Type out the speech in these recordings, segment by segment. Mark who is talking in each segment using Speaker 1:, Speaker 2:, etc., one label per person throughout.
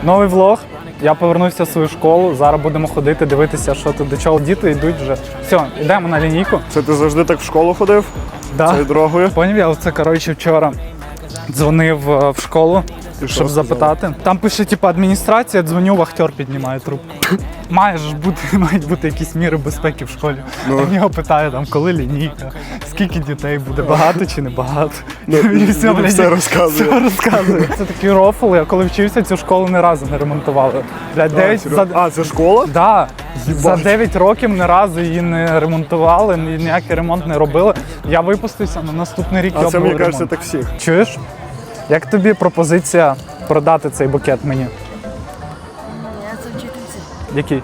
Speaker 1: Новий влог. Я повернувся в свою школу. Зараз будемо ходити, дивитися, що тут, до чого діти йдуть вже. Все, йдемо на лінійку.
Speaker 2: Це ти завжди так в школу ходив?
Speaker 1: Да.
Speaker 2: Цією дорогою?
Speaker 1: Поняв, я оце, коротше, вчора дзвонив в школу, щоб запитати. Там пише, типу, адміністрація, дзвоню, вахтер піднімає трубку. Мають бути якісь міри безпеки в школі. Я в нього питаю, там, коли лінійка, скільки дітей буде, багато чи не багато. І
Speaker 2: все розказує.
Speaker 1: Все розказує. Це такий рофл, я коли вчився, цю школу ні разу не ремонтували.
Speaker 2: Це школа?
Speaker 1: Да. За 9 років ні разу її не ремонтували, ніякий ремонт не робили. Я випустився, на наступний рік
Speaker 2: А це, мені
Speaker 1: ремонт.
Speaker 2: кажеться, так всіх.
Speaker 1: Чуєш? Як тобі пропозиція продати цей букет мені?
Speaker 3: Я це вчительці.
Speaker 1: Який?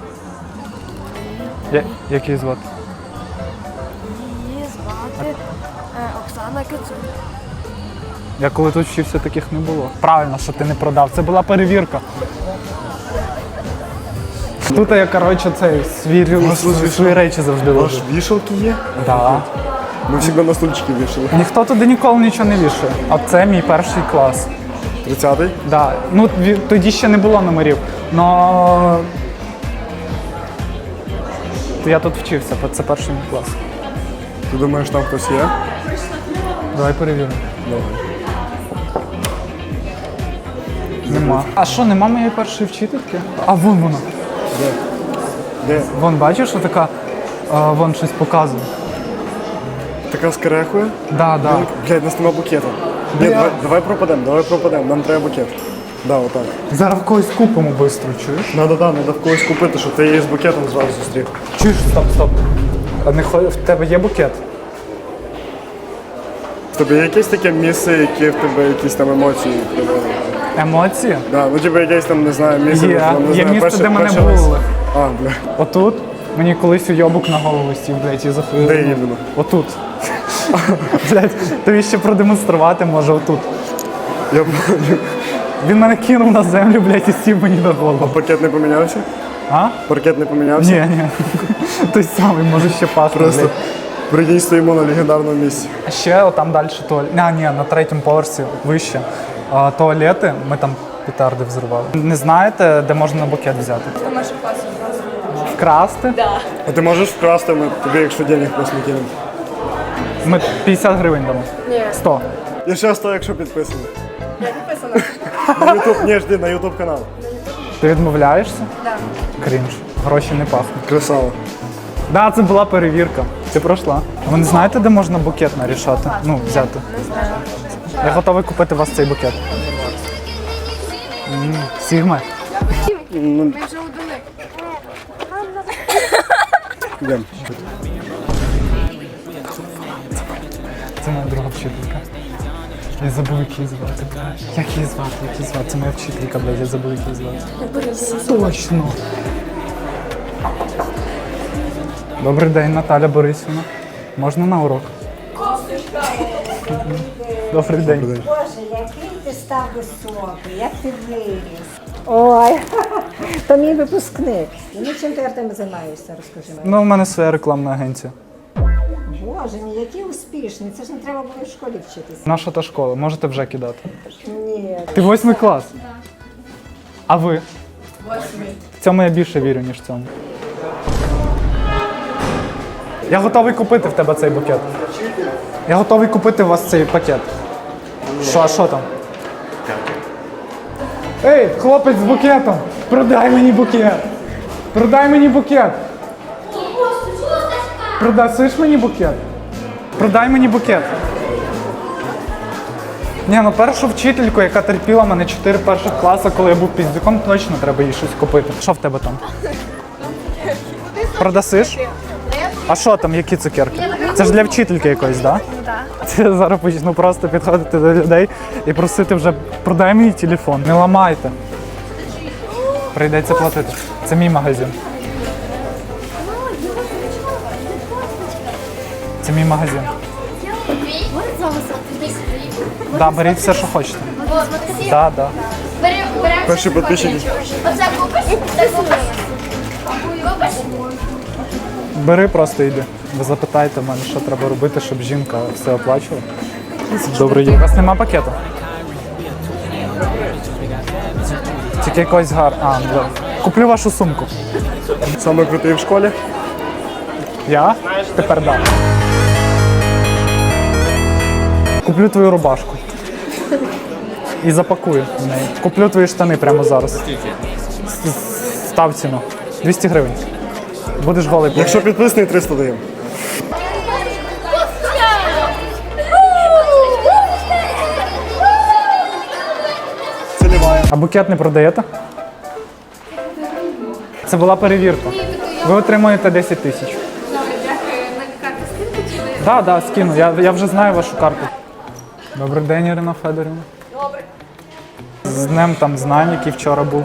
Speaker 1: Який звати?
Speaker 3: Її звати Оксана Кицун.
Speaker 1: Я коли тут вчився, таких не було. Правильно, що ти не продав. Це була перевірка. Тут я, коротше, свої речі завжди
Speaker 2: Ваш
Speaker 1: ложу.
Speaker 2: вішалки є?
Speaker 1: Да.
Speaker 2: Ми завжди на стульчики вішали.
Speaker 1: Ніхто туди ніколи нічого не вішає. А це мій перший клас.
Speaker 2: 30-й?
Speaker 1: Да. Ну, тоді ще не було номерів. Но я тут вчився, це перший мій клас.
Speaker 2: Ти думаєш, там хтось є?
Speaker 1: Давай перевіримо.
Speaker 2: Давай.
Speaker 1: Нема. А що, нема моєї першої вчительки? А вон вона.
Speaker 2: Де?
Speaker 1: Вон, бачиш, що така, вон щось показує.
Speaker 2: Така з керехою?
Speaker 1: Да.
Speaker 2: Блядь, у нас нема букета. Ні, давай пропадемо, нам треба букет. Да, отак.
Speaker 1: Зараз в когось купимо швидко, чуєш?
Speaker 2: Надо в когось купити, щоб ти її з букетом зразу зустрів.
Speaker 1: Чуєш, стоп. А в тебе є букет?
Speaker 2: В тебе є якесь таке місце, яке в тебе якісь там емоції приводить?
Speaker 1: Емоції?
Speaker 2: Да, ну типу якесь там, не знаю, місце.
Speaker 1: Є,
Speaker 2: там, не
Speaker 1: є
Speaker 2: знаю,
Speaker 1: місце, де мене
Speaker 2: перший
Speaker 1: булили.
Speaker 2: А, бля.
Speaker 1: Отут мені колись уйобок на голову сів, блядь, і захуїв.
Speaker 2: Де іменно?
Speaker 1: Отут. Блядь, тобі ще продемонструвати може отут.
Speaker 2: Я понял.
Speaker 1: Він мене кинув на землю, блядь, і сів мені на голову.
Speaker 2: Паркет не помінявся?
Speaker 1: А?
Speaker 2: Паркет не помінявся?
Speaker 1: Ні. Той самий, може ще пахне,
Speaker 2: Просто
Speaker 1: блядь.
Speaker 2: прикинь, стоїмо на легендарному місці.
Speaker 1: А ще там далі туалет. Ні, на третьому поверсі вище. Туалети, ми там петарди взривали. Не знаєте, де можна букет взяти?
Speaker 3: Це наша класі.
Speaker 1: Вкрасти?
Speaker 2: А ти можеш вкрасти, ми тобі, якщо денег просто не кинемо.
Speaker 1: Ми 50 гривень дамо.
Speaker 3: Ні.
Speaker 1: 100.
Speaker 2: І ще 100, якщо підписано.
Speaker 3: Я підписана.
Speaker 2: На YouTube, ні, жди, на YouTube канал.
Speaker 1: Ти відмовляєшся?
Speaker 3: Так.
Speaker 1: Крінж. Гроші не пахнуть.
Speaker 2: Красава.
Speaker 1: Да, це була перевірка. Ти пройшла. Ви не знаєте, де можна букет нарішати? Ну, взяти.
Speaker 3: Не знаю.
Speaker 1: Я готовий купити у вас цей букет. Сігма.
Speaker 3: Ми вже удали.
Speaker 2: Йдемо.
Speaker 1: Це моя друга вчителька. Я забув, як її звати. Як її звати? Це моя вчителька, блядь, я забув, як її звати. Точно. Добрий день, Наталя Борисівна. Можна на урок? Добрий день.
Speaker 4: Боже, який ти став високий, як ти виріс. Ой, то мій випускник. Ну, чим ти, Артем, займаєшся, розкажи мені.
Speaker 1: Ну, в мене своя рекламна агенція.
Speaker 4: Боже мій, який успішний. Це ж не треба було в школі вчитися.
Speaker 1: Наша та школа, можете вже кидати.
Speaker 4: Ні.
Speaker 1: Ти 8 клас? А ви? 8. В цьому я більше вірю, ніж в цьому. Я готовий купити в тебе цей букет. Я готовий купити у вас цей пакет. А що там? Ей, хлопець з букетом! Продай мені букет! Продай мені букет! Продасиш мені букет? Продай мені букет. Ні, ну першу вчительку, яка терпіла мене 4 перших класи, коли я був піздюком, точно треба їй щось купити. Що в тебе там? Продасиш? А що там, які цукерки? Це ж для вчительки якоїсь, так? Да? Це я зараз почну просто підходити до людей і просити вже продай мій телефон. Не ламайте. Прийдеться платити. Це мій магазин. Це мій магазин. Да, беріть все, що хочете. Да.
Speaker 2: Перші підписчики.
Speaker 5: Оце купиш? Це купиш? Купиш?
Speaker 1: Бери, просто йди. Ви запитайте в мене, що треба робити, щоб жінка все оплачувала. Добре, є. У вас нема пакету? Тільки Якось гарно. Куплю вашу сумку.
Speaker 2: Саме крутий в школі.
Speaker 1: Я? Тепер да. Куплю твою рубашку. І запакую в неї. Куплю твої штани прямо зараз. Став ціну. 200 гривень. Будеш голий.
Speaker 2: Якщо підписаний, 300 даємо. Целіває.
Speaker 1: А букет не продаєте? Це була перевірка. Ви отримуєте 10 тисяч. Так, так, скину. Я вже знаю вашу карту. Добрий день, Ірина Федорівна. Добрий. З днем там знань, який вчора був.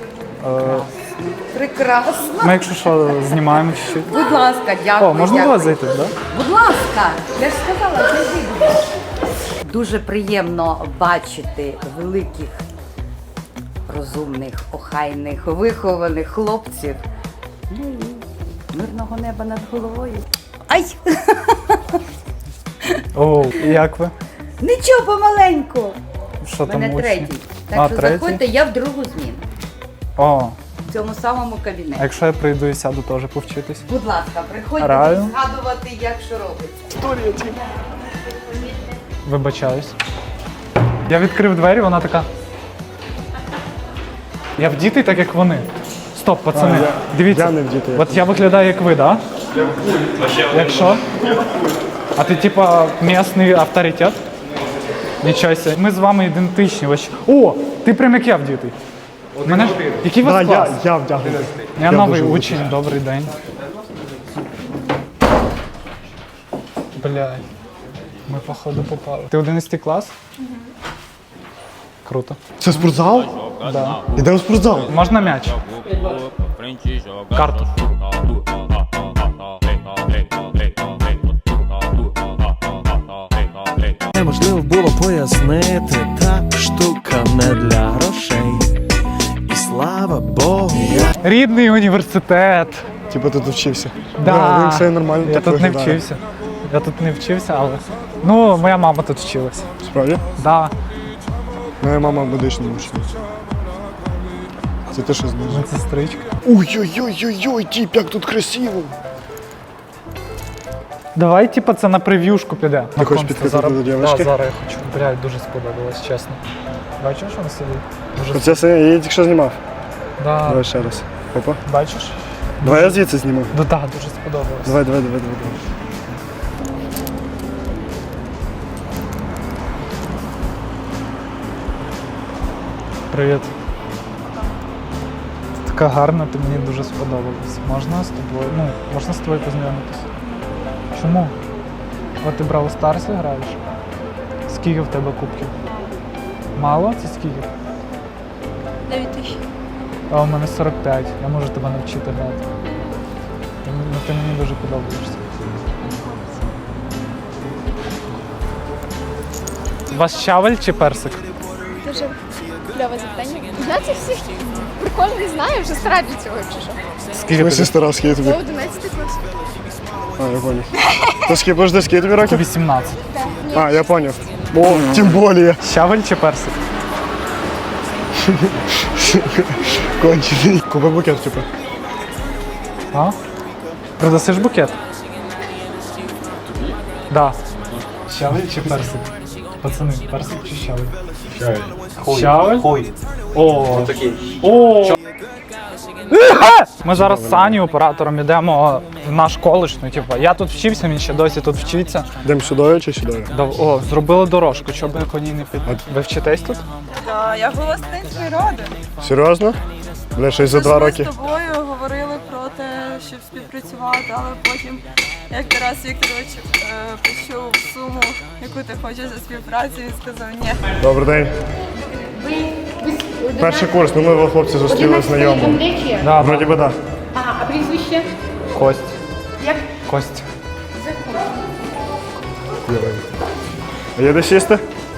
Speaker 6: Прекрасно.
Speaker 1: Ми, якщо що, знімаємо чуть-чуть.
Speaker 6: Будь ласка, дякую.
Speaker 1: О, можна до
Speaker 6: дякую.
Speaker 1: вас зайти, так? Да?
Speaker 6: Будь ласка, я ж сказала, зайди, будь ласка. Дуже приємно бачити великих, розумних, охайних, вихованих хлопців. Ну і мирного неба над головою. Ай!
Speaker 1: О, і як ви?
Speaker 6: Нічого, помаленьку.
Speaker 1: Що там
Speaker 6: Мене
Speaker 1: учні?
Speaker 6: третій. Так
Speaker 1: А,
Speaker 6: що
Speaker 1: третій?
Speaker 6: заходьте, я в другу зміну.
Speaker 1: О,
Speaker 6: В цьому самому
Speaker 1: а
Speaker 6: кабінеті.
Speaker 1: якщо я прийду і сяду теж повчитись?
Speaker 6: Будь ласка, приходьте
Speaker 1: Раю.
Speaker 6: згадувати, як що робиться.
Speaker 1: Вибачаюсь. Я відкрив двері, вона така. Я вдітий так, як вони. Стоп, пацани. Дивіться.
Speaker 2: я не вдітий, як
Speaker 1: От я виглядаю як ви, так? Да? Якщо? А ти типа місний авторитет? Нічого себе. Ми з вами ідентичні. О, ти прям як я вдітий. Мене... Який у вас
Speaker 2: Да,
Speaker 1: клас?
Speaker 2: я вдягнений.
Speaker 1: Я новий
Speaker 2: дуже
Speaker 1: учень, добрий день. Блядь. Ми походу попали. Ти 11 клас? Круто.
Speaker 2: Це спортзал?
Speaker 1: Да.
Speaker 2: Ідемо в спортзал.
Speaker 1: Можна м'яч? Карту.
Speaker 7: Неможливо було пояснити, та штука не для грошей. І слава Богу, я
Speaker 1: Рідний університет.
Speaker 2: Типа ти тут вчився.
Speaker 1: Да.
Speaker 2: Він все нормально
Speaker 1: Я
Speaker 2: так
Speaker 1: тут не
Speaker 2: виглядає.
Speaker 1: вчився. Я тут не вчився, але. Ну, моя мама тут вчилась.
Speaker 2: Справді?
Speaker 1: Да,
Speaker 2: Моя мама медична учениця. Це те, що знизу.
Speaker 1: медсестричка.
Speaker 2: Ой-ой-ой-ой-ой, тіп, як тут красиво.
Speaker 1: Давай, типа, це на прев'юшку піде.
Speaker 2: Ти хочеш підкатити до дівчинки?
Speaker 1: Да, зараз я хочу. Блядь, дуже сподобалось, чесно. Бачиш, вона сидить? Дуже
Speaker 2: Оце все, я її тільки що знімав.
Speaker 1: Да.
Speaker 2: Давай ще раз. Опа.
Speaker 1: Бачиш?
Speaker 2: Давай я звідси зніму.
Speaker 1: Ну так, дуже сподобалось.
Speaker 2: Давай.
Speaker 1: Привіт. Ти така гарна, ти мені дуже сподобалась. Можна з тобою? Ну, можна з тобою познайомитися? Чому? От ти Бравл Старсі граєш? Скільки в тебе кубків? Мало? Це скільки?
Speaker 3: 9 тисяч.
Speaker 1: А у мене 45. Я можу тебе навчити грати. Ти мені дуже подобаєшся. У вас щавель чи персик?
Speaker 3: Дуже кльове запитання. Знаєте, всіх прикольно не знаю, вже стара для цього, якщо що.
Speaker 1: Скільки
Speaker 2: Ми сестра, скільки тобі?
Speaker 3: Це 11 клас.
Speaker 2: А, я понял. То скільки, подожди, скільки тобі років?
Speaker 1: 18.
Speaker 2: А, я понял. О, тим більше.
Speaker 1: Щавель чи персик?
Speaker 2: Кончений. Купи букет, типу.
Speaker 1: А? Продасиш букет? Да. Щавель чи персик? Пацани, персик чи щавель? Щавель. Щавель? Хуй. О. Такий. О. Ми зараз з Саню, оператором, йдемо в наш коледж. Ну, типу, я тут вчився, він ще досі тут вчиться.
Speaker 2: Йдемо сюди чи сюди?
Speaker 1: О, зробили дорожку, щоб по ній не під. Ви вчитесь тут?
Speaker 8: Так, я гостинський родин.
Speaker 2: Серйозно? Бля, щось за 2 роки.
Speaker 8: Ми з тобою говорили про те, щоб співпрацювати, але потім, як Тарас Вікторович почув суму, яку ти хочеш за співпрацю, він сказав ні.
Speaker 2: Добрий день. Перший курс, ну ми хлопці зустріли знайомого.
Speaker 1: Да,
Speaker 2: Вроді би так.
Speaker 3: А прізвище?
Speaker 1: Кость.
Speaker 3: Як?
Speaker 1: Кость.
Speaker 2: А є де сісти?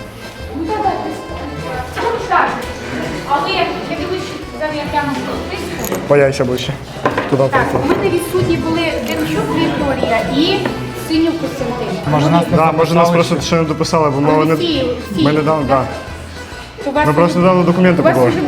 Speaker 9: А ви, я дивлюсь, що зараз я прямо в списку.
Speaker 2: Пояйся ближче. Туди
Speaker 9: Так,
Speaker 2: прийти.
Speaker 9: у мене відсутні були Демчук Вікторія і Синюк Костянтин.
Speaker 1: Може нас не
Speaker 2: Да, може нас
Speaker 1: записали
Speaker 2: просто
Speaker 1: ще?
Speaker 2: ще не дописали, бо ми не...
Speaker 9: Всі.
Speaker 2: Ми недавно, так.
Speaker 9: У вас
Speaker 2: Ми просто недавно документи
Speaker 9: у вас
Speaker 2: подали.
Speaker 9: вже буде 30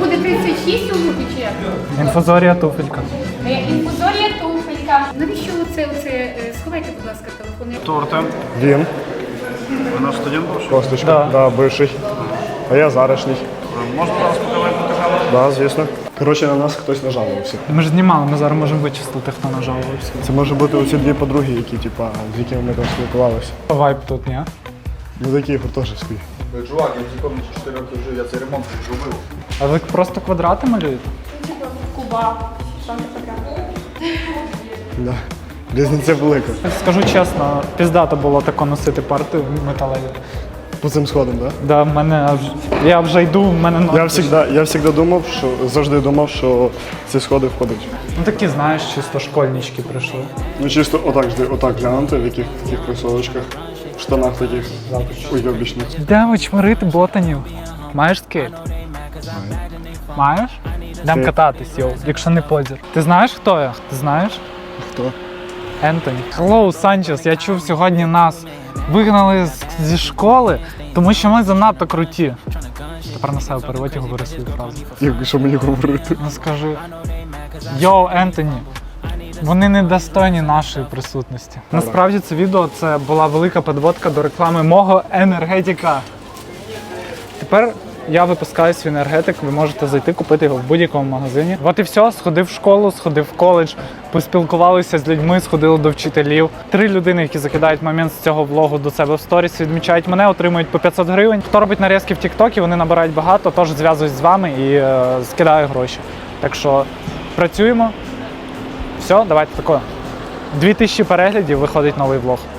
Speaker 9: 26 у групі чи як?
Speaker 1: Інфузорія туфелька.
Speaker 9: Інфузорія туфелька. Навіщо оце? Сховайте, будь ласка, телефон.
Speaker 1: Хто Артем?
Speaker 2: Він.
Speaker 1: Ви наш студент був?
Speaker 2: Косточка.
Speaker 1: Да.
Speaker 2: Да, бивший. А я зарашній.
Speaker 1: Можете зараз показати камеру?
Speaker 2: Да, звісно. Коротше, на нас хтось нажалувався.
Speaker 1: Ми ж знімали, ми зараз можемо вичислити, хто нажалувався.
Speaker 2: Це може бути оці дві подруги, які, типа, з якими ми там спілкувалися.
Speaker 1: Вайп тут, ні?
Speaker 2: Ну такі гуртожитські.
Speaker 10: Чувак, я в цій комнаті 4 роки жив, я цей ремонт зробив.
Speaker 1: А ви просто квадрати малюєте?
Speaker 8: Куба. Там фотографія.
Speaker 2: Да. Різниця велика.
Speaker 1: Скажу чесно, піздато було тако носити парти металеві.
Speaker 2: По цим сходам, так?
Speaker 1: Да, в мене я вже йду, в мене ноги.
Speaker 2: Я завжди думав, завжди думав, що ці сходи входять.
Speaker 1: Ну такі, знаєш, чисто школьнички прийшли.
Speaker 2: Ну чисто отак глянути, в яких таких кросовочках, в штанах таких уйобічних.
Speaker 1: Йдемо чмирити ботанів. Маєш скейт? Маєш? Йдемо кататись, йоу, якщо не позір. Ти знаєш, хто я? Ти знаєш?
Speaker 2: Хто?
Speaker 1: Ентоні. Hello, Санчес. Я чув, сьогодні нас вигнали зі школи, тому що ми занадто круті. Тепер на себе переводь і говори свою фразу.
Speaker 2: Що мені говорити?
Speaker 1: Ну скажи. Йоу, Ентоні. Вони недостойні нашої присутності. Насправді це відео це була велика підводка до реклами мого енергетика. Тепер я випускаю свій енергетик, ви можете зайти, купити його в будь-якому магазині. От і все, сходив в школу, сходив в коледж, поспілкувалися з людьми, сходили до вчителів. 3 людини, які закидають момент з цього влогу до себе в сторіс, відмічають мене, отримують по 500 гривень. Хто робить нарізки в TikTok, вони набирають багато, тож зв'язуюсь з вами і скидаю гроші. Так що працюємо. Все, давайте тако. 2000 переглядів, виходить новий влог.